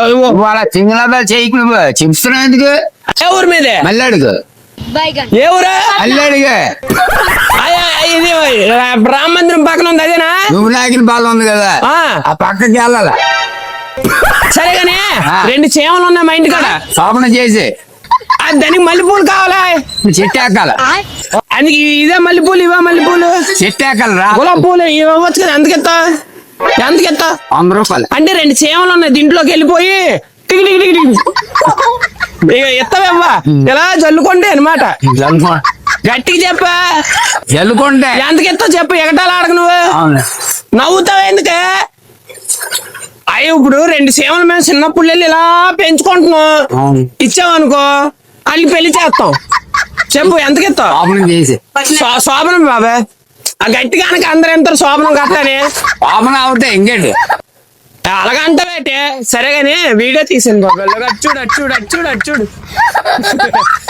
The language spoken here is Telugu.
వాళ్ళ సింగళ చేయకు నువ్వు చెప్తున్నావు ఎందుకు ఏ ఊరి మీదే మళ్ళీ అడుగు ఏ ఊరా మళ్ళీ అడుగు ఇది రామ మందిరం పక్కన ఉంది అదేనా నువ్వు నాకిన బాధ ఉంది కదా ఆ పక్కకి వెళ్ళాల సరేగానే 2 చేమలు ఉన్నాయి మా ఇంటి కాడ శోభన చేసి దానికి మల్లెపూలు కావాలా చెట్టు ఎక్కాల అందుకే ఇదే మల్లెపూలు ఇవే మల్లెపూలు చెట్టు ఎక్కాలి రా గులాబీ పూలు ఇవ్వచ్చు కదా ఎంతకెత్తా 100 రూపాయలు అంటే 2 చేమలు ఉన్నాయి దీంట్లోకి వెళ్ళిపోయి టికి టికి టికి టికి ఇక ఎత్తవేవ్వా ఇలా జల్లుకోండి అనమాట గట్టికి చెప్పా జల్లుకుంటే ఎంతకెత్తా చెప్పు ఎగటాలు ఆడక నువ్వు నవ్వుతావు ఎందుకే అయ్యి ఇప్పుడు 2 సేవలు మేము చిన్నప్పుడు వెళ్ళి ఇలా పెంచుకుంటున్నాం ఇచ్చావనుకో వాళ్ళు పెళ్లి చేస్తాం చెప్పు ఎంతకెత్తావు చేసి శోభనం బాబా ఆ గట్టి కనుక అందరు ఎంత శోభనం కట్టానే శోభన అవుతాయి ఇంకేంటి అలాగంటే సరే గానీ వీడియో తీసాను బాబా చూడు చూడు చూడు చూడు